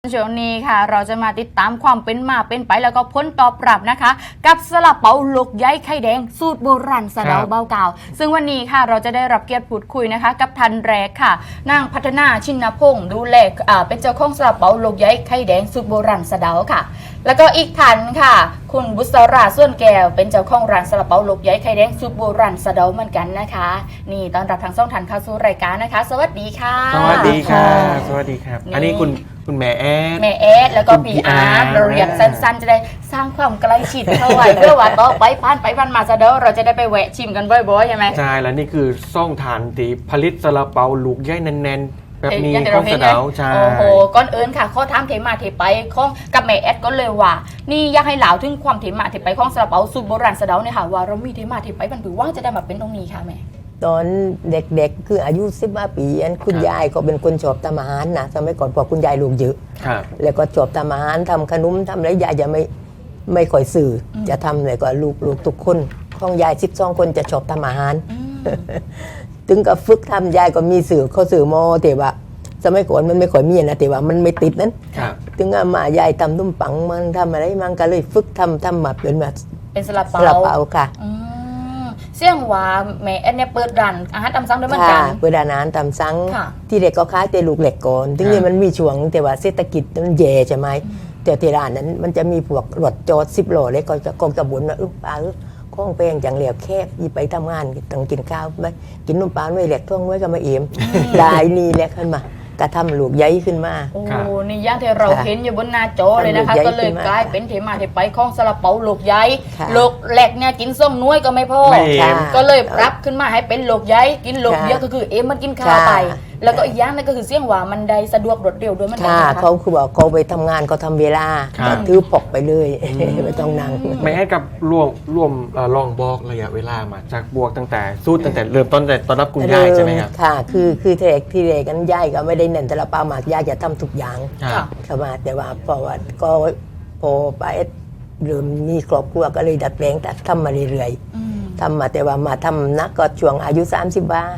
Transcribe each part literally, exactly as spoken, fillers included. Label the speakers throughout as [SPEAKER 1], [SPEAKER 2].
[SPEAKER 1] ช่วงนี้ค่ะเราจะมาติดตามความเป็นมาเป็นไปแล้วก็ผลตอบรับนะคะกับซาลาเปาลูกใหญ่ไข่แดงสูตรโบราณสะเดาเบาเก่าซึ่งวันนี้ค่ะเราจะได้รับเกียรติพูดคุยนะคะกับทันแรกค่ะนางพัฒนาชินพงศ์ดูแลเป็นเจ้าของซาลาเปาลูกใหญ่ไข่แดงสูตรโบราณสะเดาค่ะแล้วก็อีกท่านค่ะคุณบุษราส่วนแก้วเป็นเจ้าของร้านซาลาเปาลูกใหญ่ไข่แดงสูตรโบราณสะเดาเหมือนกันนะคะนี่ต้อนรับทั้งสองท่านเข้าสู่รายการนะคะสวัสดีค่ะ
[SPEAKER 2] สวัสดีค่ะสวัสดีครับอันนี้คุณคุณแม่แอด
[SPEAKER 1] แม่แอดแล้วก็พี่อาร์ตเราเรียกสั้นๆจะได้สร้างความใกล้ชิดเข้าไว้เพื่อว่าต่อไปผ่านไปผ่านมาซะเด้อเราจะได้ไปแวะชิมกันบ่อยๆใช่ไหม
[SPEAKER 2] ใช่แล้วนี่คือซ่องฐานที่ผลิตซาลาเปาลูกใหญ่แน่นๆแบบนี้ของสะเดาใช่
[SPEAKER 1] โอ้โหก่อนอื่นค่ะข้อถามเทมาเทไปของกับแม่แอดก็เลยว่านี่อยากให้เหล่าถึงความเทมาเทไปของซาลาเปาสูตรโบราณสะเดาเนี่ยค่ะว่าเรามีเทมาเทไปมันถือว่าจะได้มาเป็นตรงนี้ค่ะแม่
[SPEAKER 3] ตอนเด็กๆคืออายุสิบห้าปีอันคุณยายก็เป็นคนชอบทำอาหารนะสมัยก่อนพอคุณยายลูกเยอะแล้วก็ชอบทำอาหารทำขนมทำอะไรยายจะไม่ไม่ค่อยสื่อจะทำเลยก็ลูกลูกทุกคนของยายสิบสองคนจะชอบทำอาหารถึงกับฝึกทำยายก็มีสื่อเขาสื่อมอแต่ว่าสมัยก่อนมันไม่ค่อยมีนะแต่ว่ามันไม่ติดนั้นถึงมายายทำตุ้มปังมันทำอะไรมันก็เลยฝึกทำทำมาเป็นแบบ
[SPEAKER 1] เป็นซาลาเปา
[SPEAKER 3] ซาลาเปาค่ะ
[SPEAKER 1] เสี่ยงว่าแม่แอดเนี่ยเปิดร้านอาหารตามสั่งด้วยเหมือนกัน
[SPEAKER 3] เปิดร้านอาหารตามสั่งที่เด็กก็ขายแต่ลูกเหล็กก่อนถึงนี้มันมีช่วงแต่ว่าเศรษฐกิจมันแย่ใช่ไหมแต่ที่ร้านนั้นมันจะมีพวกรถจอดสิบโลเลยก็จะกองกระบุนว่าเออปลาข้องแป้งจังเหลียวแคบยี่ไปทำงานต้องกินข้าวไหมกินนมปลาไม่เหล็กท่องไว้ก็มาเอี่ยมลายนี่แหละขึ้นมากระทำลูกใหญ่ขึ้นมา
[SPEAKER 1] โอ้นี่ย่างที่เราเห็นอยู่บนหน้าจอเลยนะคะก็เลยกลายเป็นเทมาเทไปของซาลาเปาลูกใหญ่ลูกแหลกเนี่ยกินส้มน้อยก็ไม่พอก็เลยปรับขึ้นมาให้เป็นลูกใหญ่กินลูกเยอะก็คือเอ็มมันกินข้าวไปแล้วก็อีกอย่างนึงก็คือเสี่ยงว่ามันได้สะดวกรวดเร็วด้วยมันค่ะ
[SPEAKER 3] เขาคือบอกเขาไปทำงานเขาทำเวลาถือปกไปเลยไม่ต้องนั่ง
[SPEAKER 2] ไม่ให้กับรวมรวมลองบอกระยะเวลามาจากบวกตั้งแต่สู้ตั้งแต่เริ่มต้นแต่ตอนรับคุณยายใช่ไหมครับ
[SPEAKER 3] ค่ะคือคือเทกที่เด็กกันยายก็ไม่ได้เน้นแต่ละปาหมากยายจะทำทุกอย่างเข้ามาแต่ว่าพอว่าก็พอไปเริ่มมีครอบครัวก็เลยดัดแปลงแต่ทำมาเรื่อยๆทำมาแต่ว่ามาทำนักก็ช่วงอายุสามสิบบ้า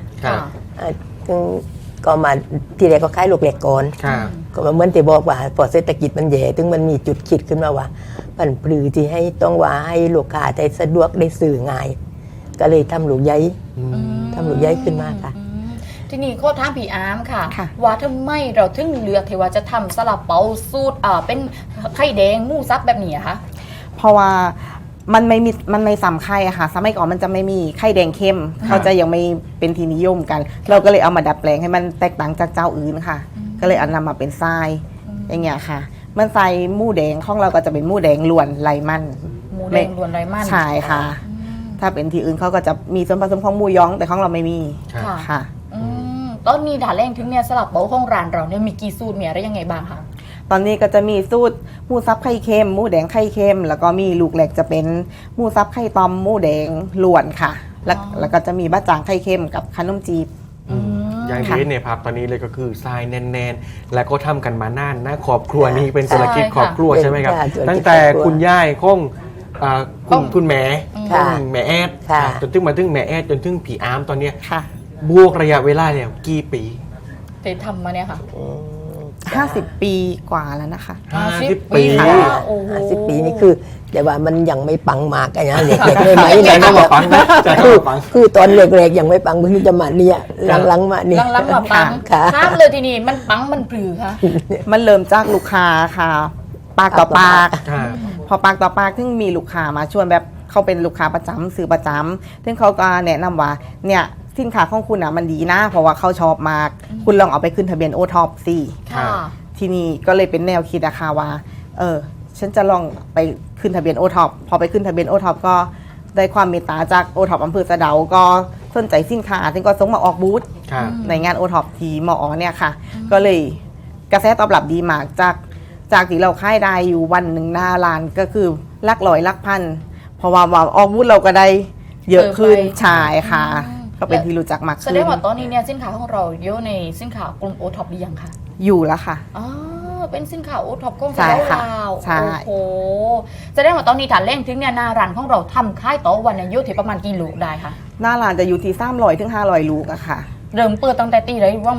[SPEAKER 3] ก็มาทีแรกก็ขายลูกเหล็กก่อนก็เหมือนที่บอกว่าพอเศรษฐกิจมันแย่ถึงมันมีจุดคิดขึ้นมาว่าผันปลือที่ให้ต้องว่าให้ลูกค้าได้สะดวกได้สื่อง่ายก็เลยทำลูกใหญ่ทำลูกใหญ่ขึ้นมาค่ะ
[SPEAKER 1] ที่นี่ข้อถามพี่อาร์มค่ะว่าทำไมเราถึงเลือกที่ว่าจะทำซาลาเปาสูตรเป็นไข่แดงหมูซับแบบนี้คะ
[SPEAKER 4] เพราะว่ามันไม่มีมันไม่ซ้ำไข่อะค่ะสมัยก่อนมันจะไม่มีไข่แดงเข้มเขาจะยังไม่เป็นที่นิยมกันเราก็เลยเอามาดัดแปลงให้มันแตกต่างจากเจ้าอื่นค่ะก็เลยเอานำมาเป็นทรายอย่างเงี้ยค่ะมันใส่หมูแดงของเราก็จะเป็นหมูแดงล้วนไร้มัน
[SPEAKER 1] หมูแดงล้วนไร้มัน
[SPEAKER 4] ใช่ค่ะถ้าเป็นที่อื่นเขาก็จะมีส่วนผสมของหมูยองแต่ของเราไม่มีค่ะ
[SPEAKER 1] ตอนนี้ด่าแรงถึงเนี่ยซาลาเปาของร้านเราเนี่ยมีกี่สูตรมีอะไรยังไงบ้างคะ
[SPEAKER 4] ตอนนี้ก็จะมีสูตรหมูซับไข่เค็มหมูแดงไข่เค็มแล้วก็มีลูกเหล็กจะเป็นหมูซับไข่ตอมหมูแดงล้วนค่ะแล้วแล้วก็จะมีบะจ่างไข่เค็มกับขนมจีบ
[SPEAKER 2] อย่างที่เนี่ยครับตอนนี้เลยก็คือทรายแน่นๆแล้วก็ทำกันมานานนะครอบครัวนี้เป็นธุรกิจครอบครัวใช่ไหมครับตั้งแต่คุณย่ายของคุณคุณแม่แม่แอดจนถึงมาถึงแม่แอดจนถึงผีอาร์มตอนนี้บวกระยะเวลาเนี่ยกี่ปี
[SPEAKER 1] เตทำมาเนี่ยค่ะ
[SPEAKER 4] ห้าสิบปีกว่าแล้วนะคะ
[SPEAKER 2] ห้าสิบปี
[SPEAKER 3] ห้าสิบปีนี่คือแต่ว่ามันยังไม่ปังมากนะเด็กๆเลยไหม
[SPEAKER 2] ใจต้องมาปังนะ
[SPEAKER 3] คือคือตอนเล็กๆยังไม่ปังเพิ่งจะมาเนี่ยหลังๆมาเนี่ย
[SPEAKER 1] หลังๆมาปังข้ามเลยทีนี้มันปังมันปรือค่ะ
[SPEAKER 4] มันเริ่มจากลูกค้าค่ะปากต่อปากพอปากต่อปากถึงมีลูกค้ามาชวนแบบเขาเป็นลูกค้าประจำซื้อประจำซึ่งเขาก็แนะนำว่าเนี่ยสินค้าของคุณอ่ะมันดีนะเพราะว่าเขาชอบมากคุณลองเอาไปขึ้นทะเบียนโอท็อปสิที่นี่ก็เลยเป็นแนวคิดอะค่ะว่าเออฉันจะลองไปขึ้นทะเบียนโอท็อปพอไปขึ้นทะเบียนโอท็อปก็ได้ความเมตตาจากโอท็อปอำเภอสะเดาก็สนใจสินค้าซึ่งก็ส่งมาออกบูธในงานโอท็อปที่มอเนี่ยค่ะก็เลยกระแสตอบรับดีมากจากจากที่เราค่ายได้อยู่วันหนึ่งหน้าร้านก็คือลักร้อยลักพันเพราะว่าออกบูธเราก็ได้เยอะขึ้นใช่ค่ะก็เป็นที่รู้จักมากขึ้น
[SPEAKER 1] แสดงว่าตอนนี้เนี่ยสินค้าของเราเยอะในสินค้ากลุ่มโอท็อปหรือยังคะ
[SPEAKER 4] อยู่แล้วค่ะ
[SPEAKER 1] อ๋อเป็นสินค้าโอท็อปของเราโอ้โหแสดงว่าตอนนี้ฐานแรงถึงเนี่ยหน้าร้านของเราทำค่ายต่อวันเนี่ยอยู่ที่ประมาณกี่ลูกได้คะ
[SPEAKER 4] หน้าร้านจะอยู่ที่สามร้อยถึงห้าร้อยลูกอะค่ะ
[SPEAKER 1] เริ่มเปิดตั้งแต่ตีเลยว่า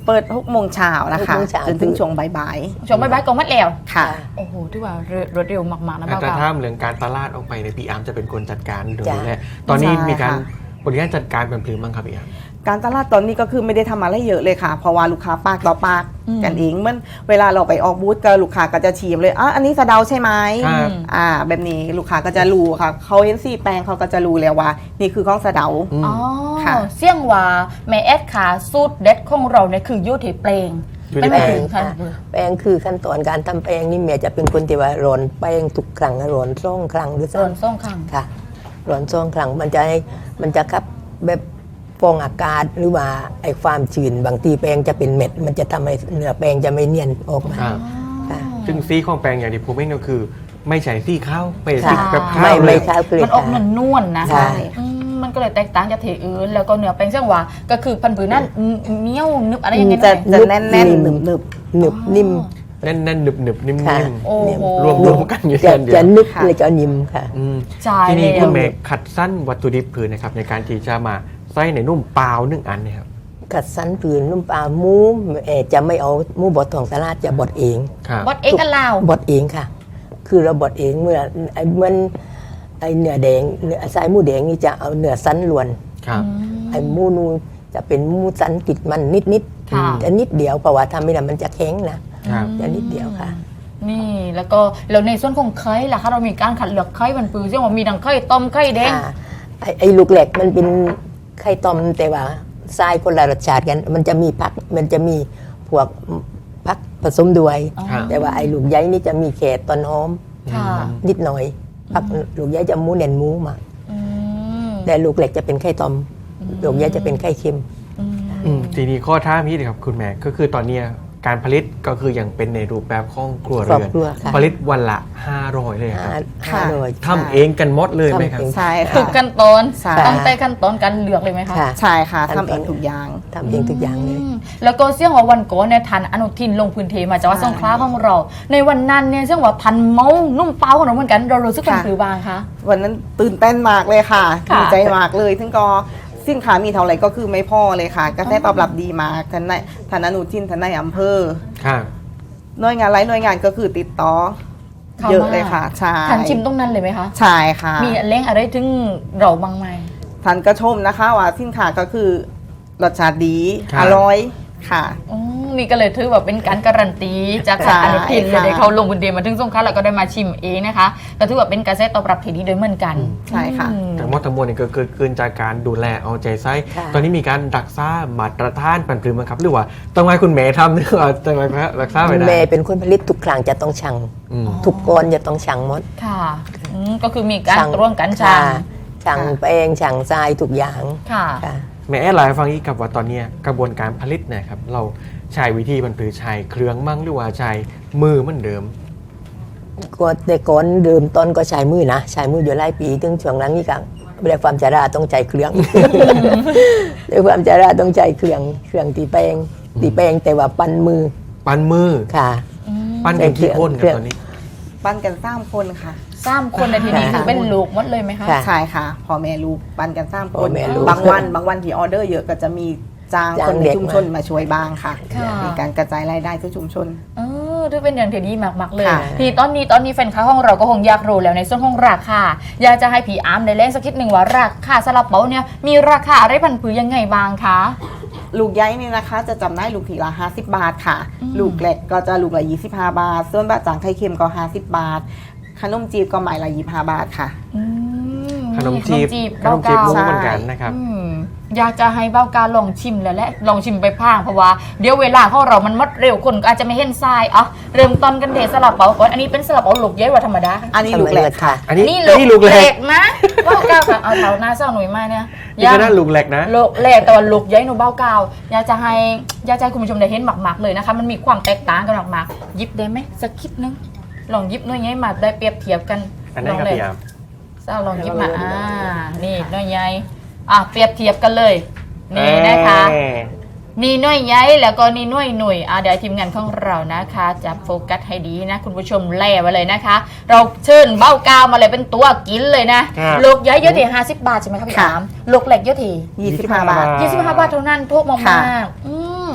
[SPEAKER 4] เปิดหกโมงเช้านะคะ
[SPEAKER 3] หกโมงเช้า
[SPEAKER 4] จนถึงช่วงบ่าย
[SPEAKER 1] ช่วงบ่ายๆก็มัดแล้ว
[SPEAKER 4] ๆค่ะ
[SPEAKER 1] โอ้โหที่ว่ารวดเร็วมากๆนะ
[SPEAKER 2] แต่
[SPEAKER 1] เบา
[SPEAKER 2] ถ้า
[SPEAKER 1] เก่า
[SPEAKER 2] เรื่องการตลาดออกไปในยพี่อาร์มจะเป็นคนจัดการดู
[SPEAKER 3] จ้ะ
[SPEAKER 2] แลตอนนี้
[SPEAKER 4] ใช่
[SPEAKER 2] มีการ
[SPEAKER 4] ค่ะ
[SPEAKER 2] บริการจัดการเป็นพลือมั้งครับพี่อาร์ม
[SPEAKER 4] การตลาดตอนนี้ก็คือไม่ได้ทำอะไรเยอะเลยค่ะ เพราะว่าลูกค้าปากต่อปาก
[SPEAKER 1] อืม
[SPEAKER 4] กันเองเหมื่อนเวลาเราไปออกบูธก็ลูกค้าก็จะชิมเลยอ่ะอันนี้สะเดาใช่ไหม
[SPEAKER 2] ครับ
[SPEAKER 4] อ่าแบบนี้ลูกค้าก็จะรู้ค่ะเขาเห็นสีแปลงเขาก็จะรู้แล้วว่า นี่คือของสะเดา
[SPEAKER 2] อืม
[SPEAKER 1] อ๋อ
[SPEAKER 4] ค่ะ
[SPEAKER 1] เสี่ยงว่าแม่แอดขาสูตรเด็ดของเราเนี่ยคืออยูที่เปลง
[SPEAKER 2] อยู่
[SPEAKER 1] ไม่
[SPEAKER 2] ใน
[SPEAKER 1] ไม่
[SPEAKER 2] แปล
[SPEAKER 1] ถึ
[SPEAKER 2] ง
[SPEAKER 1] งค่ะ
[SPEAKER 3] แป้งคือขั้นตอนการทำแป้งนี่เมียจะเป็นคนที่ว่าร้อนแป้งทุกครั้งร้อนซ่องครั้งหรือ
[SPEAKER 1] ส่วนส่งข้าง
[SPEAKER 3] ค่ะร้อนซ่องครั้งมันจะให้มันจะคับแบบฟองอากาศหรือว่าไอ้ความชื้นบางทีแป้งจะเป็นเม็ด มันจะทำให้เนื้อแป้งจะไม่เนียนออกมา
[SPEAKER 2] ครับ
[SPEAKER 3] ค่ะ
[SPEAKER 2] ซึ่งซีของแปลงอย่างที่ผมเองก็คือ ไม่ใช่ซีข้าวไม่ใช่
[SPEAKER 3] ค่ะ
[SPEAKER 2] ซีแบบข้า
[SPEAKER 3] ไม่
[SPEAKER 2] วเล
[SPEAKER 3] ไม่
[SPEAKER 2] ย
[SPEAKER 3] ข้าวเกลื
[SPEAKER 1] มันออกนวลๆนะ
[SPEAKER 3] ใช่
[SPEAKER 1] อืมมันก็เลยแตกต่างจากที่อื่นแล้วก็เนื้อแป้งเสี่ยงว่าก็คือพันธุ์ผืนนั้นเหนียวนึบอะไรอย่างเงี้ย
[SPEAKER 4] จะ
[SPEAKER 1] หน่อย
[SPEAKER 4] จะแน่นๆหนึบ
[SPEAKER 3] หนึบนิ่ม
[SPEAKER 2] แน่นแน่นๆหนึบหนึบๆนิ่ม
[SPEAKER 3] ค่ะ
[SPEAKER 2] ๆ
[SPEAKER 1] โอ้โห
[SPEAKER 2] รวมรวมกันอยู่
[SPEAKER 3] จะ
[SPEAKER 2] กันเดีย
[SPEAKER 3] จะ
[SPEAKER 2] ว
[SPEAKER 3] นึบ
[SPEAKER 4] ค่ะ
[SPEAKER 3] เลยจะนิ่มค่ะ
[SPEAKER 2] อืม
[SPEAKER 1] ใช่
[SPEAKER 2] ทีนี้
[SPEAKER 1] แล้ว
[SPEAKER 2] คุณเมย์ขัดสั้นวัตถุดิบผืนนะครับในการที่จะมาใส่ในนุ่มเปล่าหนึ่งอันเนยครับ
[SPEAKER 3] กัดสันผืนนุ่มปลาหมูเอ่อจะไม่เอาหมูบดทองตลาดจะบดเอง
[SPEAKER 2] ครับ
[SPEAKER 1] บดเอ็กกันลาว
[SPEAKER 3] บดเองค่ะ คือเราบดเองเมื่อไอ้เหมันไอ้เนื้อแดงเนื้อสายหมูแดงนี่จะเอาเนื้อสันล้วน
[SPEAKER 2] ครับ
[SPEAKER 3] ไอ้หมูนูจะเป็นหมูสันติดมันนิดนิดๆ
[SPEAKER 1] ค่ะ
[SPEAKER 3] จะนิดเดียวเพราะว่าทำไม่ได้มันจะแข็งนะครับ จะนิดเดียวค่ะ
[SPEAKER 1] นี่แล้วก็แล้วในส่วนของไข่ล่ะคะเรามีการขัดเลือกไข่มันปือเช่นว่ามีทั้งไข่ต้มไข่แดง
[SPEAKER 3] ค่ะไอ้ไอ้ลูกแหลกมันเป็นไข่ต้มแต่ว่าทรายคนละรสชาติกัน มันจะมีผักมันจะมีพวกผักผสมด้วย
[SPEAKER 1] อ๋อ
[SPEAKER 2] ครับ
[SPEAKER 3] แต่ว่าไอ้ลูกใยนี่จะมีแค่ต้นหอม
[SPEAKER 1] ค่ะ
[SPEAKER 3] นิดหน่อยผักลูกใยจะหมูเน่นหมูมาก
[SPEAKER 1] อืม
[SPEAKER 3] แต่ลูกเหล็กจะเป็นไข่ต้มลูกใยจะเป็นไข่เค็ม
[SPEAKER 1] อืม
[SPEAKER 2] อืมทีนี้ข้อท้าพี่เลยครับคุณแม่ก็คือตอนเนี้ยการผลิตก็คือยังเป็นในรูปแบบของครัว
[SPEAKER 3] ครอบ
[SPEAKER 2] เรือน
[SPEAKER 3] ครัวค่ะ
[SPEAKER 2] ผลิตวันละห้าร้อยเลยครับ
[SPEAKER 3] ห้า
[SPEAKER 4] ค่ะ
[SPEAKER 3] ห้าร้อย
[SPEAKER 2] ทำเองกันหมดเลยไหมครับ
[SPEAKER 3] ทำเอง
[SPEAKER 4] ใช่
[SPEAKER 1] ทุ
[SPEAKER 4] ค่ะ
[SPEAKER 1] กขั้นตอน
[SPEAKER 4] ใช่
[SPEAKER 1] ตั้งแต่ขั้นตอนการเลือกเลยไหมคะ
[SPEAKER 3] ค่ะ
[SPEAKER 4] ใช่ค่ะ
[SPEAKER 3] ขั้นตอน
[SPEAKER 4] ทำเองทุกอย่าง
[SPEAKER 3] ทำเองทุกอย่างเลย
[SPEAKER 1] อืมแล้วก็เสี่ยงว่าวันก่อนเนี่ยทันอนุทินลงพื้นที่มาจากวัดสงขลาของเรา ในวันนั้นเนี่ยเสี่ยงว่าพันเมานุ่มเปล่าของเราเหมือนกันเรารู้สึกเป็น
[SPEAKER 4] ค่ะ
[SPEAKER 1] หรือบางคะ
[SPEAKER 4] วันนั้นตื่นเต้นมากเลยค่ะ
[SPEAKER 1] ค่ะ
[SPEAKER 4] ดีใจมากเลยซึ่งก็สินค้ามีเท่าไหร่ก็คือไม่พอเลยค่ะกระแสตอบรับดีมากท่านนายท่านอนุทินท่านนายอำเภอ
[SPEAKER 2] ครับ
[SPEAKER 4] หน่วยงานหลายหน่วยงานก็คือติดต่อ
[SPEAKER 1] เข้า
[SPEAKER 4] เยอะ
[SPEAKER 1] มา
[SPEAKER 4] เลยค่ะใช่
[SPEAKER 1] ทันชิมตรงนั้นเลยไหมคะ
[SPEAKER 4] ใช่ค่ะ
[SPEAKER 1] มีเล้งอะไรถึงเราบ้างไหม
[SPEAKER 4] ท่านก็ชมนะคะว่าสินค้าก็คือรสชาติดี
[SPEAKER 2] ครับ
[SPEAKER 4] อร่อยค่ะ
[SPEAKER 1] อืมนี่ก็เลยถือว่าเป็นการการันตีจากท่านอนุทินเลย
[SPEAKER 4] ใช่ค่ะ
[SPEAKER 1] ได้เขาลงพื้นที่มาถึงสงขลาแล้วก็ได้มาชิมเองนะคะก็ถือว่าเป็นกระแสตอบรับที่ดีโดยเหมือนกัน
[SPEAKER 4] ใช่ค่ะ
[SPEAKER 1] อืม
[SPEAKER 2] ทั้งหมดทั้งมวลนี่ก็เกิดขึ้นจากการดูแลเอาใจใส่
[SPEAKER 3] ค่ะ
[SPEAKER 2] ตอนนี้มีการรักษามาตรฐานปันปลือมั้งครับหรือว่าต้องให้คุณแม่ทำหรือว่าต้องให้รักษาไม่ได้
[SPEAKER 3] แม่เป็นคนผลิตทุกครั้งจะต้องชั่ง
[SPEAKER 2] อืม
[SPEAKER 3] ทุกก้อนจะต้องชั่งหมด
[SPEAKER 1] ค่ะอืมก็คือมีการ
[SPEAKER 3] ชั่ง
[SPEAKER 1] ตรวจกันชัง
[SPEAKER 3] ค่ะชั่งแป้งชั่งทรายทุกอย่าง
[SPEAKER 1] ค่ะ
[SPEAKER 3] ค่ะ
[SPEAKER 2] แม่แอดไลน์ให้ฟังอีกกับว่าตอนเนี้ยกระบวนการผลิตเนะครับเราใช้วิธีปันปลือใช้เครื่องมั่งหรือว่าใช้มือเหมือนเดิม
[SPEAKER 3] ก็แต่ก่อนเดิมต้นก็ใช้มือนะใช้มืออยู่หลายปีถึงช่วงหลังนี่ก็เรียกความจาราต้องใจเครื่อง เรียกความจาราต้องใจเครื่องเครื่องตีแป้งตีแป้งแต่ว่าปั้นมือ
[SPEAKER 2] ปั้นมือ
[SPEAKER 3] ค่ะ
[SPEAKER 2] ปั้นกันกี่คน
[SPEAKER 3] เค
[SPEAKER 2] กั
[SPEAKER 3] รื่
[SPEAKER 2] บ
[SPEAKER 3] อง
[SPEAKER 2] ตอนนี้
[SPEAKER 4] ปั้นกันสามคนค่ะ
[SPEAKER 1] สามคนในที่นี้
[SPEAKER 3] ค่ะ
[SPEAKER 1] คือเป็นลูกหมดเลยไหมคะ
[SPEAKER 3] ค่ะ
[SPEAKER 4] ใช่ค่ะพอแม่ลูกปั้นกันสาม
[SPEAKER 3] พ่
[SPEAKER 4] ค
[SPEAKER 3] อน แม่ลูก
[SPEAKER 4] บางวันบางวันที่ออเดอร์เยอะก็จะมีจ้าง
[SPEAKER 3] จ้าง
[SPEAKER 4] คนใน
[SPEAKER 3] เด็ก
[SPEAKER 4] ชุมชนมาช่วยบ้างค่ะ
[SPEAKER 1] ค่ะ
[SPEAKER 4] มีการกระจายรายได้ทั่วชุมชน
[SPEAKER 1] เออด้วยเป็นอย่างที่ดีมากๆเลย
[SPEAKER 4] ค่ะ
[SPEAKER 1] ทีตอนนี้ตอนนี้แฟนค้าของเราก็คงอยากรู้แล้วในส่วนของราคาอยากจะให้ผีอาร์มได้เล่นสักนิดหนึ่งว่าราคาซาลาเปาเนี่ยมีราคาอะไรพันผือยังไงบ้างคะ
[SPEAKER 4] ลูกใหญ่นี่นะคะจะจำได้ลูกทีละห้าสิบบาทค่ะ
[SPEAKER 1] อืม
[SPEAKER 4] ลูกเล็กก็จะลูกละยี่สิบห้าบาท ส่วนบะจ่างไข่เค็มก็ห้าสิบบาท ขนมจีบก็หมายละยี่สิบห้าบาทค่ะ
[SPEAKER 1] อืม
[SPEAKER 2] ขนมจีบข
[SPEAKER 1] เบ้าน
[SPEAKER 2] มจีบ
[SPEAKER 1] กาว
[SPEAKER 2] มุ้ง
[SPEAKER 4] ใช่
[SPEAKER 2] เหมือนกันนะครับ
[SPEAKER 1] อืมอยากจะให้เบ้ากาลองชิมแล้วแหละลองชิมไปพางเพราะว่าเดี๋ยวเวลาของเรามันหมดเร็วคนก็อาจจะไม่เห็นทรายอ่ะเริ่มต้นกันเทซาลาเปาก่อนอันนี้เป็นซาลาเปาลูกใหญ่กว่าธรรมดา
[SPEAKER 4] อันนี้ลูกเล็กค่ะ
[SPEAKER 2] อันนี้
[SPEAKER 1] นี่
[SPEAKER 2] อันนี้ลูกเล็ก
[SPEAKER 1] นะเบ้ากาวค่ะเอาเท่าหน้าเศร้าหนุ่ยมาเนี่ย
[SPEAKER 2] นี่ก็น่าลูกเล็กนะ
[SPEAKER 1] ลูกเล็กแต่ว่าลูกใหญ่หนูเบ้ากาวอยากจะให้อยากจะให้คุณผู้ชมได้เห็นหมักๆเลยนะคะมันมีความแตกต่างกันหมักๆหยิบได้ไหมสักคิดนึงลองหยิบหน่อยใหญ่มาได้เปรียบเทียบกัน
[SPEAKER 2] อันนั้นครับ
[SPEAKER 1] ลงเลย
[SPEAKER 2] พี่อาร์ม
[SPEAKER 1] เศร้าลองหยิบมาอ่านี่หน่อยใหญ่อ่ะเปรียบเทียบกันเลยนี่นะคะ
[SPEAKER 2] เอ้ย
[SPEAKER 1] นี่หน่วยใหญ่แล้วก็นี่หน่วยหน่วยอ่ะเดี๋ยวทีมงานของเรานะคะจะโฟกัสให้ดีนะคุณผู้ชมแล่ไว้เลยนะคะ เราเชิญเบ้ากาวมาเลยเป็นตัวกินเลยนะครับ ลูกใหญ่เยอะที่ห้าสิบบาทใช่ไหมครับพี่
[SPEAKER 4] ค่ะ
[SPEAKER 1] อามลูกเล็กเยอะที่
[SPEAKER 4] ยี่สิบห้าบาท
[SPEAKER 1] ยี่สิบห้าบาทเท่านั้นถูกมาก
[SPEAKER 4] ค่ะ
[SPEAKER 1] ๆอืมอ่ะ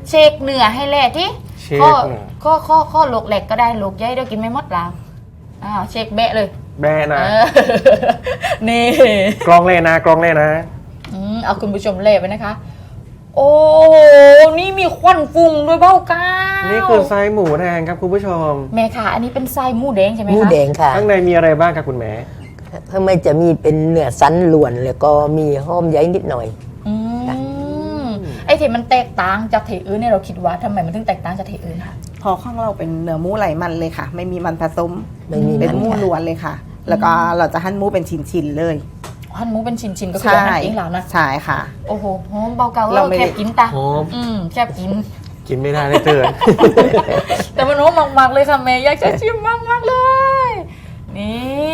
[SPEAKER 1] เชคเหนือให้แหล่ที่
[SPEAKER 2] เช็ค
[SPEAKER 1] ข้อ
[SPEAKER 2] เหนือ
[SPEAKER 1] ข้อข้อข้อโลกแหลกก็ได้โลกใหญ่ได้กินไม่หมดแล้วอ้าวเชคแบะเลย
[SPEAKER 2] แบะนะ
[SPEAKER 1] เออ นี่
[SPEAKER 2] กรองเลยนะกรองเลยนะ
[SPEAKER 1] อืมเอาคุณผู้ชมเล่ไปนะคะ โอ้โหนี่มีควันฟุ้งด้วยเบ้าก้าว
[SPEAKER 2] นี่คือไส้หมูแดงครับคุณผู้ชม
[SPEAKER 1] แม่ค่ะ อันนี้เป็นไส้หมูแดงใช่ไหม
[SPEAKER 3] หมู
[SPEAKER 1] คะ
[SPEAKER 3] แดงค่ะ
[SPEAKER 2] ข้างในมีอะไรบ้างครับคุณแม่
[SPEAKER 3] ข้างในจะมีเป็นเนื้อสันล้วนแล้วก็มีหอมใยนิดหน่อย
[SPEAKER 1] อืมไอ้ที่มันแตกต่างจากเทอื่นเนี่ยเราคิดว่าทำไมมันถึงแตกต่างจากเทอื่นคะ
[SPEAKER 4] พอข้างเราเป็นเนื้อหมูไหลมันเลยค่ะ ไม่มีมันผสม
[SPEAKER 3] ไม่มี
[SPEAKER 4] เป็น
[SPEAKER 3] มัน
[SPEAKER 4] หมู
[SPEAKER 3] ค่ะ
[SPEAKER 4] ล้วนเลยค่ะ แล้วก็เราจะหั่นหมูเป็นชิ้นๆเลย
[SPEAKER 1] หั่นหมูเป็นชิ้นๆก็คือเราหั่นเองแล้วนะ
[SPEAKER 4] ใช่ค่ะ
[SPEAKER 1] โอ้โหหอมเบาเกา
[SPEAKER 4] เราไม่ได้
[SPEAKER 1] แคบกินตา
[SPEAKER 2] หอม
[SPEAKER 1] อืมแคบกิน
[SPEAKER 2] กินไม่ได้เลยเตือน
[SPEAKER 1] แต่มันหอมมากๆเลยค่ะแม่อยากจะชิมมากๆเลย นี่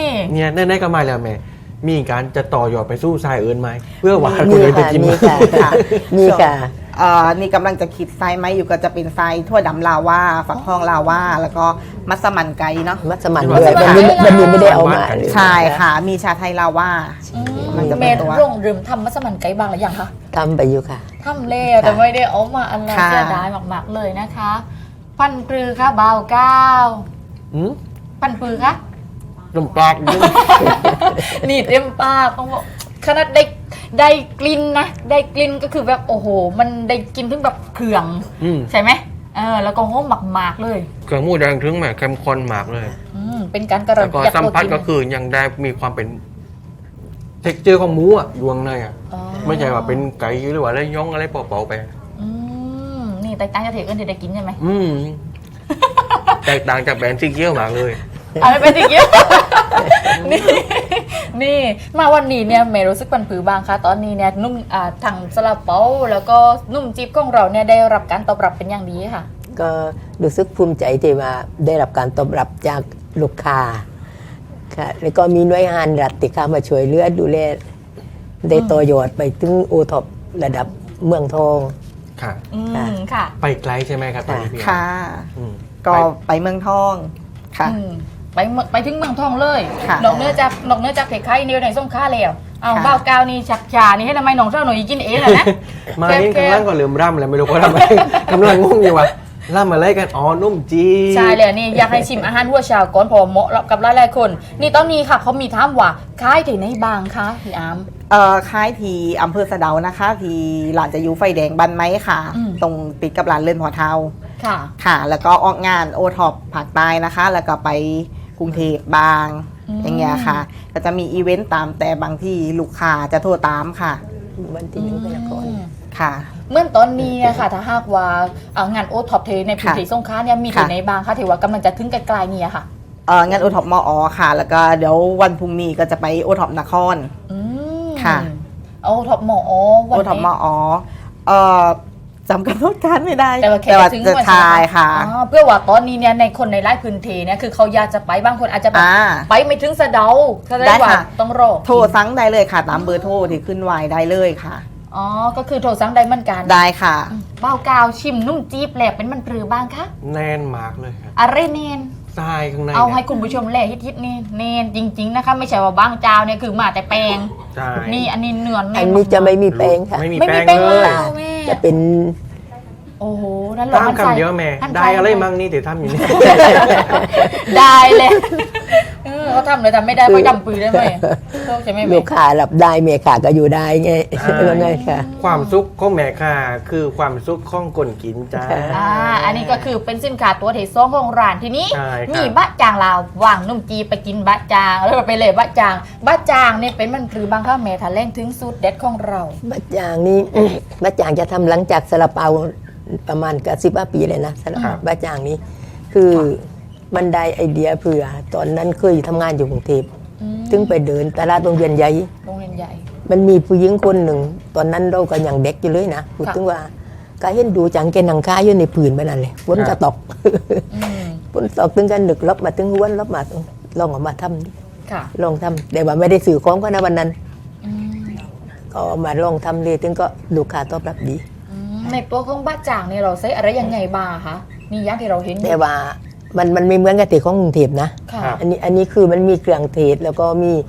[SPEAKER 2] เนี่ยแน่ๆก็มาแล้วแม่ มีการจะต่อยอดไปสู้ทรายอื่นไหมเพื่อหวานคน
[SPEAKER 3] มี
[SPEAKER 2] อื่นจะ
[SPEAKER 3] ค่ะ
[SPEAKER 2] กิน
[SPEAKER 3] มี
[SPEAKER 2] ไหม
[SPEAKER 3] ค่ะ
[SPEAKER 4] ค่ะ
[SPEAKER 3] มีค่ะ
[SPEAKER 4] เอ่อนี่กำลังจะคิดไส้ไหมอยู่ก็จะเป็นไส้ทั่วดำลาวาฝักทองลาวาแล้วก็มัสมั่นไก่เนาะ
[SPEAKER 3] มัสมั่นด้วยวันนี้วันนี้ไม่ได้เอามาเลย
[SPEAKER 4] ใช่ค่ะ มีชาไทยลาวา
[SPEAKER 1] อืม
[SPEAKER 4] มันจะเป็
[SPEAKER 1] แม่
[SPEAKER 4] นตัว
[SPEAKER 1] ร่งเริมทำมัสมั่นไก่บางหรือยังคะ
[SPEAKER 3] ทำไปอยู่ค่ะ
[SPEAKER 1] ทำแล้วแต่ไม่ได้เอามาอันนั้น
[SPEAKER 4] ค่ะ
[SPEAKER 1] เสียดายมากๆเลยนะคะ พันปรือค่ะเบาเก้า
[SPEAKER 2] อืม
[SPEAKER 1] พันปรือค่ะ
[SPEAKER 2] นมปลากยิ่ง
[SPEAKER 1] นี่เต็มปากต้องบอกขนาดได้ได้กลิ่นนะได้กลิ่นก็คือแบบโอ้โห มันได้กลินถึงแบบเครื่อง
[SPEAKER 2] อืม
[SPEAKER 1] ใช่ไหมเออแล้วก็หอมหมากๆเลย
[SPEAKER 2] เครื่องหมูแดงถึงแม่เข้มข้นมากเลย
[SPEAKER 1] อืมเป็นการการั
[SPEAKER 2] แล้
[SPEAKER 1] น
[SPEAKER 2] วก็
[SPEAKER 1] ตี
[SPEAKER 2] สัมผัส
[SPEAKER 1] ตัวจริง
[SPEAKER 2] ก็คือยังได้มีความเป็นเท็กเจอร์ของหมูอ่ะดวงในอ่ะ
[SPEAKER 1] อ๋อ
[SPEAKER 2] ไม่ใช่ว่าเป็นไก่หรือว่าอะไรย่องอะไรเปล่าๆไป
[SPEAKER 1] อืมนี่แตกต่างจากเทคอื่นที่ได้กินใช่ไหม
[SPEAKER 2] อืม แตกต่างจากแบรนด์ซีเกียวมากเลย
[SPEAKER 1] อะไรเป็นอย่างเงี้ย นี่นี่มาวันนี้เนี่ยเมย์รู้สึกปันผือบางคะตอนนี้เนี่ยนุ่มอ่าทางซาลาเปาแล้วก็นุ่มจิ๊บของเราเนี่ยได้รับการตอบรับเป็นอย่างดีค่ะ
[SPEAKER 3] ก็รู้สึกภูมิใจที่ว่าได้รับการตอบรับจากลูกค้าค่ะแล้วก็มีหน่วยงานรัฐที่เข้ามาช่วยเหลือดูแลได้ต่อยอดไปถึงโอท็อประดับเมืองทอง
[SPEAKER 2] ค่ะ
[SPEAKER 1] อื
[SPEAKER 3] ค่ะ
[SPEAKER 1] มค่ะ
[SPEAKER 2] ไปไกลใช่ไหมครับตอนนี้พี่
[SPEAKER 4] ค่ะ
[SPEAKER 2] อืม
[SPEAKER 4] ก็
[SPEAKER 2] ไป
[SPEAKER 4] ไปเมืองทองค่ะ
[SPEAKER 1] อืมไปเมืองไปถึงเมืองทองเลย
[SPEAKER 4] ค่ะ
[SPEAKER 1] นอกเหนื้อจากนอกเหนื้อจากเพไข่นี่ในส้มข้าแล้วเอา
[SPEAKER 4] ค่ะ
[SPEAKER 1] บ้าวกาวนี่ชักชานี่ให้ทำไมน้องเจ้าหน่อยกินเองเหรอนะ
[SPEAKER 2] มา
[SPEAKER 1] แก้ว
[SPEAKER 2] นี่
[SPEAKER 1] แก้ว
[SPEAKER 2] กำลังก่อนลืมร่ำเลยไม่รู้เขาทำอะไร กำลังงงอยู่ว่ะร่ำอะไรกันอ๋อนุ่มจี
[SPEAKER 1] ใช่เลยนี่อยากให้ชิมอาหารหัวชาวก่อนเพอเหมาะกับหลายๆคน นี่ตอนนี้ค่ะเขามีถามว่าขายที่ไหนบ้างคะพี่อาม
[SPEAKER 4] เอ่อค่ายทีอำเภอสะเดานะคะ ทีหลานจะอยู่ไฟแดงบันไม้ค่ะ
[SPEAKER 1] อืม
[SPEAKER 4] ตรงติดกับร้านเลื่อนพอเทา
[SPEAKER 1] ค่ะ
[SPEAKER 4] ค่ะ แล้วก็ออกงานโอท็อปภาคใต้นะคะ แล้วก็ไปกรุงเทพบาง
[SPEAKER 1] อืม
[SPEAKER 4] อย่างเงี้ยค่ะ ก็จะมีอีเวนต์ตามแต่บางที่ลูกค้าจะโทรตามค่ะ
[SPEAKER 3] วันที่หนึ่งพฤษภาคม
[SPEAKER 4] ค่ะ
[SPEAKER 1] เมื่อตอนนี้อะค่ะถ้าหากว่าเอางานโอท็อปเทในพื้นที่สงขลาเนี่ยมีที่
[SPEAKER 4] ค่ะ
[SPEAKER 1] ไหนบ้างคะที่ว่ากำลังจะถึงไกลๆเนี่ยค่ะ
[SPEAKER 4] เอ่องานโอท็อปมอค่ะ แล้วก็เดี๋ยววันพรุ่งนี้ก็จะไปโอท็อปนคร
[SPEAKER 1] อืม
[SPEAKER 4] ค่ะ
[SPEAKER 1] โอท็อปหมอวั
[SPEAKER 4] โอน ท็อปม
[SPEAKER 1] นี้
[SPEAKER 4] อเอ่อจำกำหนดการไม่ได้
[SPEAKER 1] แต่ว่าแค่
[SPEAKER 4] ว่า
[SPEAKER 1] จะถึง
[SPEAKER 4] จะ
[SPEAKER 1] วัน
[SPEAKER 4] ทายค่ะ
[SPEAKER 1] อ๋อเพื่อว่าตอนนี้เนี่ยในคนในไร่พื้นที่เนี่ยคือเขาอยากจะไปบางคนอาจจะแบบ
[SPEAKER 4] อ่า
[SPEAKER 1] ไปไม่ถึงสะเดาแสดง
[SPEAKER 4] ได้
[SPEAKER 1] ว่า
[SPEAKER 4] ค่ะ
[SPEAKER 1] ต้องรอ
[SPEAKER 4] โทรสั่งได้เลยค่ะ ตามเบอร์โทรที่ขึ้นไว้ได้เลยค่ะ
[SPEAKER 1] อ๋อก็คือโทรสั่งได้เหมือนกัน
[SPEAKER 4] ได้ค่ะ
[SPEAKER 1] เบ้ากาวชิมนุ่มจี๊บแหลกเป็นมันปรือบ้างคะ
[SPEAKER 2] แน่นมากเลยครับ
[SPEAKER 1] อะไรเนน
[SPEAKER 2] ทรายข้างใน
[SPEAKER 1] เอาให้
[SPEAKER 2] เนี่ย
[SPEAKER 1] คุณผู้ชมแหลกฮิตๆนี่เนนจริง ๆ นะคะ ไม่ใช่ว่าบางเจ้าเนี่ยคือมาแต่แปลง
[SPEAKER 2] ใช่
[SPEAKER 1] นี่อันนี้เนื้อแน่
[SPEAKER 3] อั
[SPEAKER 1] น
[SPEAKER 3] นนี้จะไม่มีแป้งค่ะ
[SPEAKER 2] ไม่มี
[SPEAKER 1] ไม่มี
[SPEAKER 2] แป้ง
[SPEAKER 1] แป้ง
[SPEAKER 2] เล
[SPEAKER 1] เลย ยแม่
[SPEAKER 3] จะเป็น
[SPEAKER 1] โอ้โหนั่นหรอ
[SPEAKER 2] ตาม
[SPEAKER 1] มันใส่
[SPEAKER 2] คำเดียวแม่
[SPEAKER 1] ท่าน
[SPEAKER 2] ได้
[SPEAKER 1] ใส่
[SPEAKER 2] อะไรมั่งนี่เดี๋ยวทำอยู่นี่
[SPEAKER 1] ได้เลยเออเขาทำเลยทำไม่ได้เขาดำปืนได้ไหมโทษใช่ไหม
[SPEAKER 3] ลู
[SPEAKER 1] แม่
[SPEAKER 3] กค้ารับได้เมียขาก็อยู่ได้ไง
[SPEAKER 2] ใช่
[SPEAKER 3] ว่าไงค่ะ
[SPEAKER 2] ความสุขของแม่ค่ะ คือความสุขของคนกินจ้า
[SPEAKER 1] อ่าอันนี้ก็คือเป็นสินค้าตัวเทซองของร้านทีนี้
[SPEAKER 2] ใช่ครับ
[SPEAKER 1] มีบะจางลาววางนุ่มจีไปกินบะจางแล้วไปเลยบะจางบะจางเนี่ยเป็นมันคือบางข้าวแม่ทะเล่งถึงสูตรเด็ดของเรา
[SPEAKER 3] บะจางนี่ บะจางจะทำหลังจากซาลาเปาประมาณกับสิบปีเลยนะซาลา
[SPEAKER 2] ครับ
[SPEAKER 3] บะจางนี้ คือมันได้ไอเดียเผื่อ ตอนนั้นเคยทำงานอยู่กรุงเทพ
[SPEAKER 1] อืม
[SPEAKER 3] ถึงไปเดินตลาดโรงเรียนใหญ่
[SPEAKER 1] โรงเรียนใหญ่
[SPEAKER 3] มันมีผู้หญิงคนหนึ่ง ตอนนั้นเราก็ยังเด็กอยู่เลยนะพูด
[SPEAKER 1] ค่ะ
[SPEAKER 3] ถึงว่าก็เห็นดูจังแกนังค้าอยู่ในผืนไปนั่นเลยฝน
[SPEAKER 2] ครั
[SPEAKER 3] ก็
[SPEAKER 2] บ
[SPEAKER 3] ตก
[SPEAKER 1] อืม
[SPEAKER 3] ฝนตกถึงกันดึกลบมาถึงวันลบมาลองเออกมาทำดิ
[SPEAKER 1] ค่ะ
[SPEAKER 3] ลองทำแต่ว่าไม่ได้สื่อของก็นะวันนั้น
[SPEAKER 1] อืม
[SPEAKER 3] ก็เอามาลองทำเลยถึงก็ลูกค้าตอบรับดี
[SPEAKER 1] อืมในตัวของบะจางเนี่ยเราใช้อะไรยังไงบ้างคะนี่อย่างที่เราเห็นอยู่
[SPEAKER 3] แต่ว่ามันมันไม่เหมือนกับที่ของกรุงเทพนะ
[SPEAKER 1] ค่ะ
[SPEAKER 2] ครับ
[SPEAKER 3] อันนี้อันนี้คือมันมีเครื่องเทศแล้วก็มีแฮ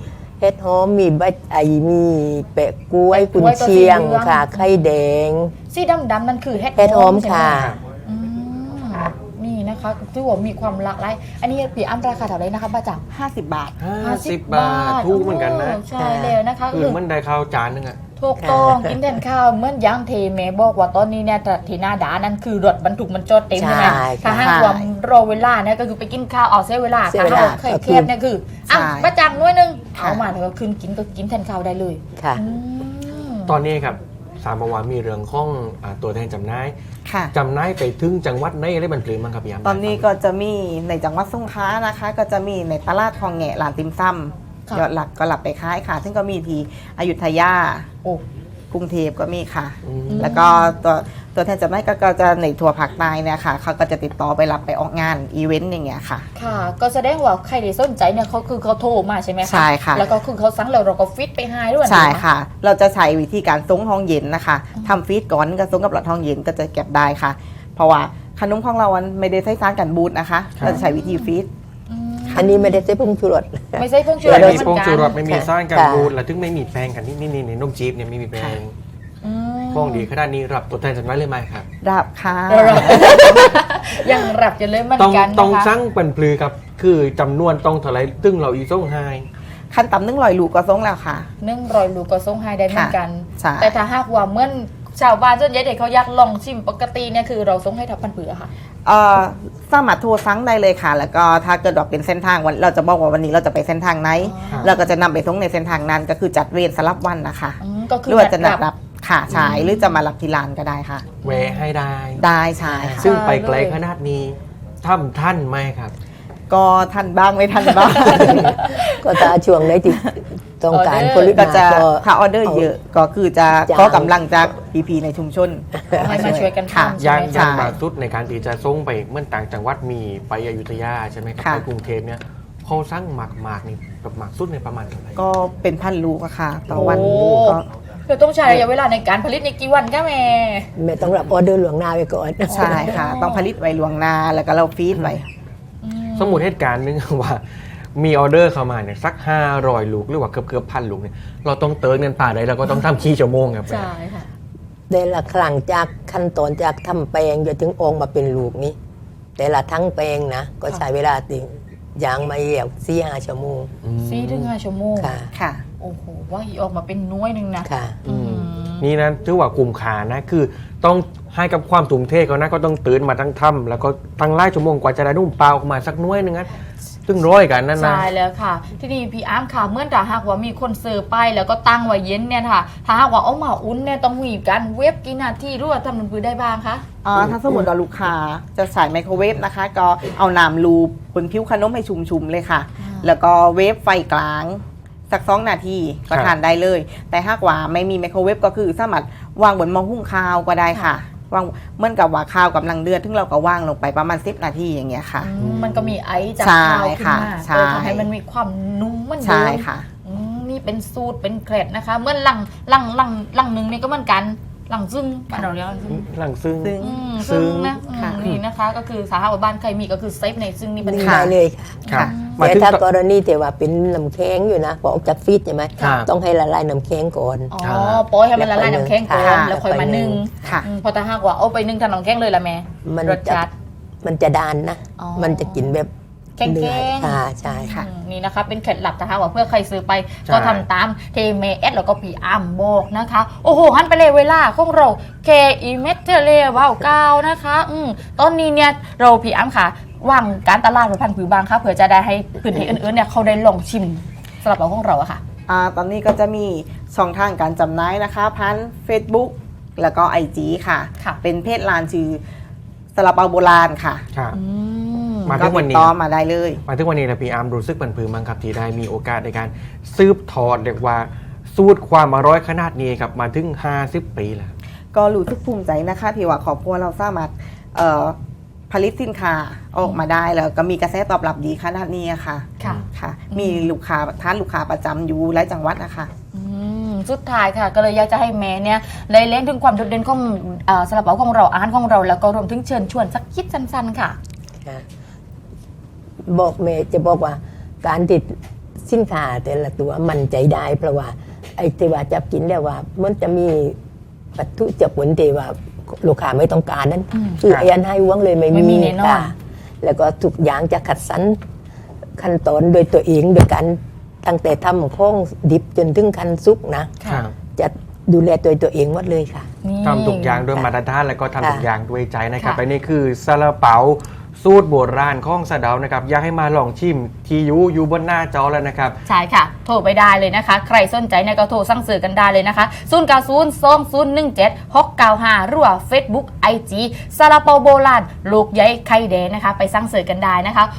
[SPEAKER 3] ห็ดหอมมีใบไอมีแปะกล้วยกุนเชียงค่ะไข่แดง
[SPEAKER 1] สีดำๆนั่นคือเห็ด
[SPEAKER 3] เห็ดหอม
[SPEAKER 1] ใช่ไห
[SPEAKER 3] ค่ะ
[SPEAKER 1] อืมนี่นะคะที่ว่ามีความหลากหลายอันนี้พี่อ้ำราคาเท่าไหร่นะคะป้าจัง
[SPEAKER 4] ห้าสิบบาท
[SPEAKER 2] ห้าสิบบาทถูกเหมือนกันนะ
[SPEAKER 1] โใช่แล้วนะคะ
[SPEAKER 2] คือมันได้ข้าวจานนึงอะ
[SPEAKER 1] ถูกต้อง กินแทนข้าวเหมื่อนย่างเทเมบอกว่าตอนนี้เนี่ยที่หน้าด่านนั่นคือรถบรรทุกมันจอดเต็มใช่ไหม
[SPEAKER 3] ใช่
[SPEAKER 1] ถ้า
[SPEAKER 3] ค่ะ
[SPEAKER 1] หากว่ารอเวลาเนี่ยก็คือไปกินข้าวเอาเสียเวลา
[SPEAKER 3] เสีย
[SPEAKER 1] ถ้า
[SPEAKER 3] เวลา
[SPEAKER 1] เราเคยเครียดเนี่ยคืออ่ะ
[SPEAKER 4] ใช่
[SPEAKER 1] ป้าจังน้อยหนึง
[SPEAKER 4] ค่ะ
[SPEAKER 1] เอามาแล้วก็คืนกินก็กินแทนข้าวได้เลย
[SPEAKER 3] ค่ะ
[SPEAKER 1] อืม
[SPEAKER 2] ตอนนี้ครับสามวันมีเรื่องของอ่าตัวแทนจำหน่าย
[SPEAKER 4] ค่ะ
[SPEAKER 2] จำหน่ายไปถึงจังหวัดไหนอะไรบันปลือมั้งครับพี่ยาม
[SPEAKER 4] ตอนนี้ก็จะมีในจังหวัดสงขลานะคะ ก็จะมีในตลาดคลองแงะร้านติมซ้ำยอดหลักก็หลับไปขายค่ะ ซึ่งก็มีที่อยุธยา
[SPEAKER 1] โอ้
[SPEAKER 4] กรุงเทพก็มีค่ะ
[SPEAKER 2] อืม
[SPEAKER 4] แล้วก็ตัวตัวแทนจำหน่ายก็ก็จะในทัวร์ภาคใต้เนี่ยค่ะเขาก็จะติดต่อไปรับไปออกงานอีเวนต์อย่างเงี้ยค่ะ
[SPEAKER 1] ค่ะ ก็แสดงว่าใครที่สนใจเนี่ยเขาคือเขาโทรมาใช่ไหมคะ
[SPEAKER 4] ใช่ค่ะ
[SPEAKER 1] แล้วก็คือเขาสั่งแล้วเราก็ฟิตไปให้ด้วย
[SPEAKER 4] ใช่
[SPEAKER 1] น
[SPEAKER 4] ค่ะ เราจะใช้วิธีการซุ้งห้องเย็นนะคะทำฟีดก่อนก็ซุ้งกับหลอดห้องเย็นก็จะเก็บได้ค่ะ เพราะว่าขนมของเรามันไม่ได้ใช้สารกันบูดนะคะ เราจะใช้วิธีฟีด
[SPEAKER 1] อืม
[SPEAKER 3] อันนี้ไม่ได้ใช้ผงชูรส
[SPEAKER 1] ไม่ใช่พวกชูร
[SPEAKER 2] ไม่
[SPEAKER 1] ส
[SPEAKER 2] มี
[SPEAKER 1] เห
[SPEAKER 2] โป
[SPEAKER 1] มื
[SPEAKER 2] ง
[SPEAKER 1] อนกั
[SPEAKER 2] ชูรส
[SPEAKER 1] น
[SPEAKER 2] ไม่มี
[SPEAKER 3] ค่ะ
[SPEAKER 2] สารกัน
[SPEAKER 3] ค่ะ
[SPEAKER 2] บูดและถึงไม่มีแป้งกันนี่นี่นี่นี่นมจีบเนี่ยไม่มีแป้ง
[SPEAKER 1] อืม
[SPEAKER 2] ข้องดีขนาดนี้รับตัวแทนจำหน่ายเลยไหมครับ
[SPEAKER 4] รับค่ะ
[SPEAKER 1] เรา ยังรับจะเลยเหมือน
[SPEAKER 2] ต้อง
[SPEAKER 1] กัน
[SPEAKER 2] ต้อง
[SPEAKER 1] นะคะ
[SPEAKER 2] สั่งบันปลือครับคือจำนวนต้องเท่าไหรตึ้งเราอีส่งให้
[SPEAKER 4] ขั้นต่ำนึ่งลอยลูกก็ซุ้งแล้วค่ะ
[SPEAKER 1] นึ่งรอยลูกก็ส่งให้ได้เหมือนกัน
[SPEAKER 4] ใช่
[SPEAKER 1] แต่ถ้าหากว่าเหมื่อนชาวบ้านส่วนใหญ่เด็กเขาอยากลองชิมปกติเนี่ยคือเราส่งให้ทับพันเผือค่ะ
[SPEAKER 4] เอ่อสามารถโทรสั่งได้เลยค่ะ แล้วก็ถ้าเกิดว่าเป็นเส้นทางวันเราจะบอกว่าวันนี้เราจะไปเส้นทางไหน
[SPEAKER 1] อ๋อ
[SPEAKER 4] เราก็จะนำไปส่งในเส้นทางนั้นก็คือจัดเวรสลับวันนะคะ
[SPEAKER 1] อืมก็คือ
[SPEAKER 4] หรือว่าจะนัด
[SPEAKER 1] นั
[SPEAKER 4] รับค่ะใช่หรือจะมารับที่ร้านก็ได้ค่ะ
[SPEAKER 2] แวะให้ได้
[SPEAKER 4] ได้ใช่ค่ะ
[SPEAKER 2] ซึ่งไปไกลขนาดนี้ท่านท่านไหมครับ
[SPEAKER 4] ก็ทันบ้างไม่ทันบ้าง
[SPEAKER 3] ก็ตาช่วงไหนที่ต้องการผลิต
[SPEAKER 4] ก็
[SPEAKER 3] มา
[SPEAKER 4] จะ
[SPEAKER 3] ก็
[SPEAKER 4] ถ้าออเดอร์เยอะก็คือจะ
[SPEAKER 3] จ้าง
[SPEAKER 4] ขอกำลังจากพีพีในชุมชน
[SPEAKER 1] ให้มาช่วยกัน
[SPEAKER 4] ค่ะ
[SPEAKER 1] ทำ
[SPEAKER 2] ยาง
[SPEAKER 1] ใช่ไหม
[SPEAKER 2] ยาง
[SPEAKER 1] คะ
[SPEAKER 2] บางสุดในการที่จะส่งไปเมื่อต่างจังหวัดมีไปอยุธยาใช่ไหมครับ
[SPEAKER 4] ค่ะ
[SPEAKER 2] ไปกรุงเทพเนี่ยเขาสั่งหมากหมากนี่แบบหมากสุดในประมาณเท่าไหร่
[SPEAKER 4] ก็เป็นพันลูกอะค่ะ ต่อวัน
[SPEAKER 1] โอ้
[SPEAKER 4] ก็
[SPEAKER 1] เดี๋ยวต้องใช้ระยะเวลาในการผลิตในกี่วันก็แม่
[SPEAKER 3] แม่ต้องรับออเดอร์หลวงหน้าไว้ก่อน
[SPEAKER 4] ใช่ค่ะ ต้องผลิตไว้ลวงหน้าแล้วก็เราฟีดไว้
[SPEAKER 1] อืม
[SPEAKER 2] สมมุติเหตุการณ์หนึง ว่ามีออเดอร์เข้ามาเนี่ยสักห้าร้อยลูกหรือว่าเกือบเกือบพันลูกเนี่ยเราต้องเติร์เงินป่าใดเราก็ต้องทำขี้ชั่วโมงครับ
[SPEAKER 1] ใช่ค่ะ
[SPEAKER 3] แต่ละครั้งจากขั้นตอนจากทำแปลงจนถึงออกมาเป็นลูกนี้ แต่ละทั้งแปลงนะ ก็ใช้เวลาติงอย่างไม่เหี่ยวสี่ห้าชั่วโมง
[SPEAKER 2] อืม
[SPEAKER 1] สี่ถึงห้าชั่วโมง
[SPEAKER 3] ค่ะ
[SPEAKER 4] ค่ะ
[SPEAKER 1] โอ้โหว่าอีออกมาเป็นน้อยหนึงนะ
[SPEAKER 3] ค่ะ
[SPEAKER 2] อืม
[SPEAKER 1] อืม
[SPEAKER 2] นี่นะถือว่ากลุ่มขานะคือต้องให้กับความตุ่มเทเขานะก็ต้องตื่นมาทั้งถ้ำแล้วก็ตั้งไล่ชั่วโมงกว่าจะได้นุ่มเปล่าออกมาสักหน้อยหนึงนะซึ่งร้อยกันนั่นนะ
[SPEAKER 1] ใช่แล้วค่ะ ที่นี่พี่อาร์มค่ะเมื่อถ้าหากว่ามีคนเสิร์ฟไปแล้วก็ตั้งไว้เย็นเนี่ยค่ะ ถ้าหากว่าเอามาอุ่นเนี่ยต้องมีการเวฟกี่นาทีหรือว่าทำมันพือได้บ้างคะ
[SPEAKER 4] อ่าถ้าสมมติว่าลูกค้าจะใส่ไมโครเวฟนะคะ ก็เอาน้ำรูบนผิวขนมให้ชุ่มๆเลยค่ะ
[SPEAKER 1] อ่า
[SPEAKER 4] แล้วก็เวฟไฟกลางสักสองนาทีก็ทานได้เลย แต่หากว่าไม่มีไมโครเวฟก็คือสามารถวางบนหม้อหุงข้าวก็ได้ค่ะวางเหมื่อนกับว่าข้าวกำลังเดือดซึ่งเราก็ว่างลงไปประมาณสิบนาทีอย่างเงี้ยค่ะ
[SPEAKER 1] อืมมันก็มีไอซ์จาก
[SPEAKER 4] ใช่
[SPEAKER 1] ข้าวขึ้น
[SPEAKER 4] ค่ะ
[SPEAKER 1] มา
[SPEAKER 4] ใช่
[SPEAKER 1] เพื่อทำให้มันมีความนุ่มเหมันเดิ
[SPEAKER 4] ใช่
[SPEAKER 1] ม
[SPEAKER 4] ค่ะ
[SPEAKER 1] อืมนี่เป็นสูตรเป็นเคล็ดนะคะ เมื่อหลังหลังหลังหลังหนึ่งนี่ก็เหมือนกันหลังซึ่งบ้านเราเรียกว่าซึ่ง
[SPEAKER 2] หลังซึ่ง
[SPEAKER 4] ซึ่ง
[SPEAKER 1] อืม
[SPEAKER 2] ซึ่
[SPEAKER 1] ซึ่
[SPEAKER 2] ง
[SPEAKER 1] งนะอืม
[SPEAKER 4] ค่ะ
[SPEAKER 1] นี่นะคะ ก็คือสาหาว่าบ้านใครมีก็คือเซฟในซึ่งนี่เป็น
[SPEAKER 3] นี่
[SPEAKER 4] ค่ะ
[SPEAKER 3] ได้เลยค่ะ
[SPEAKER 2] ครับ
[SPEAKER 4] ค่ะ
[SPEAKER 2] มา
[SPEAKER 3] แต่
[SPEAKER 2] ถึง
[SPEAKER 3] ถ้า
[SPEAKER 2] ต
[SPEAKER 3] กรณีที่ว่าเป็นน้ำแข็งอยู่นะพอออกจากฟรีซใช่ไหม
[SPEAKER 2] ครับ
[SPEAKER 3] ต้องให้ละลายน้ำแข็งก่อน
[SPEAKER 1] อ๋อโป้ยให้มันละลายน้ำแข็งก่อน
[SPEAKER 3] ค่ะ
[SPEAKER 1] แล้วค่อยมานึ่ง
[SPEAKER 4] ค่ะ
[SPEAKER 1] อืมพอถ้าหากว่าเอาไปนึ่งทำน้ำแข็งเลยละแม่
[SPEAKER 3] มัน
[SPEAKER 1] รส
[SPEAKER 3] จะ
[SPEAKER 1] จัด
[SPEAKER 3] มันจะดานนะ
[SPEAKER 1] อ๋อ
[SPEAKER 3] มันจะกินแบบ
[SPEAKER 1] แข็งๆ
[SPEAKER 3] เนื้อค่ะใช่
[SPEAKER 4] ค่ะ
[SPEAKER 1] อืมนี่นะคะเป็นเคล็ดลับนะคะว่าเพื่อใครซื้อไป
[SPEAKER 2] ใช่
[SPEAKER 1] ก็ทำตามเทเมเอสแล้วก็ปีอัมบอกนะคะ โอ้โหหันไปเลยเวลาของเราเคอีเมทเทเลว้าวเก้านะคะอืมตอนนี้เนี่ยเราพี่อัมค่ะวางการตลาดพันธุ์ผือบางค่ะเผื่อจะได้ให้พื้นที่อื่นๆเนี่ยเขาได้ลองชิมสำหรับเราของเราอะค่ะ
[SPEAKER 4] อ่าตอนนี้ก็จะมีช่องทางการจำหน่ายนะคะพัน Facebook แล้วก็ ไอ จี ค่ะ
[SPEAKER 1] ค่ะ
[SPEAKER 4] เป็นเพจร้านชื่อซาลาเปาโบราณค่ะ
[SPEAKER 2] ครับ
[SPEAKER 1] อืม
[SPEAKER 2] มาถึงวันนี้
[SPEAKER 4] ก็ติดต่อมาได้เลย
[SPEAKER 2] มาถึงวันนี้นะพี่อาร์มรู้สึกบันพือมั้งครับที่ได้มีโอกาสในการสืบทอดเรียกว่าสูตรความอร่อยขนาดนี้ครับมาถึงห้าสิบปีแล้ว
[SPEAKER 4] ก็รู้สึกภูมิใจนะคะที่ว่าครอบครัวเราสามารถเอ่อผลิตสินค้าออกมาได้แล้วก็มีกระแสตอบรับดีขนาดนี้อะค่ะ
[SPEAKER 1] ค่ะ
[SPEAKER 4] ค่ะ มีลูกค้าท่านลูกค้าประจำอยู่หลายจังหวัดนะคะ
[SPEAKER 1] อืมสุดท้ายค่ะ ก็เลยอยากจะให้แม่เนี่ยได้เล่นถึงความโดดเด่นของเอ่อซาลาเปาของเราอาหารของเราแล้วก็รวมถึงเชิญชวนสักคิดสั้นๆค่ะ
[SPEAKER 3] ค่ะบอกเมย์จะบอกว่าการติดสิสินค้าแต่ละตัวมันใจได้ เพราะว่าไอ้ที่ว่าจับกินแล้วว่ามันจะมีวัตถุเจะผลที่ว่าลูกค้าไม่ต้องการนั้นคือไอ้อันให้วังเลยไม่
[SPEAKER 1] ไม่มีแน่นอน
[SPEAKER 3] ค่ะแล้วก็ทุกอย่างจะคัดสรรขั้นตอนโดยตัวเองโดยการตั้งแต่ทำข้องดิบจนถึงขั้นซุกนะ
[SPEAKER 2] ครับ
[SPEAKER 3] จะดูแลตัวตัวเองหมดเลยค่ะ
[SPEAKER 1] นี่
[SPEAKER 2] ทำทุกอย่างด้วย
[SPEAKER 3] ค่ะ
[SPEAKER 2] มาตรฐานแล้วก็ทำทุก
[SPEAKER 3] ค่ะ
[SPEAKER 2] อย่างด้วยใจนะครับ
[SPEAKER 1] ค่ะ
[SPEAKER 2] และนี่คือซาลาเปาสูตรโบราณของสะเดานะครับอยากให้มาลองชิมที่ยูอยู่บนหน้าจอแล้วนะครับ
[SPEAKER 1] ใช่ค่ะ โทรไปได้เลยนะคะ ใครสนใจเนี่ยก็โทรสั่งซื้อกันได้เลยนะคะศูนย์ เก้า ศูนย์ สอง ศูนย์ หนึ่ง เจ็ด หก เก้า ห้า หรือว่า Facebook ไอ จี ซาลาเปาโบราณลูกใหญ่ไข่แดงนะคะ ไปสั่งซื้อกันได้นะคะ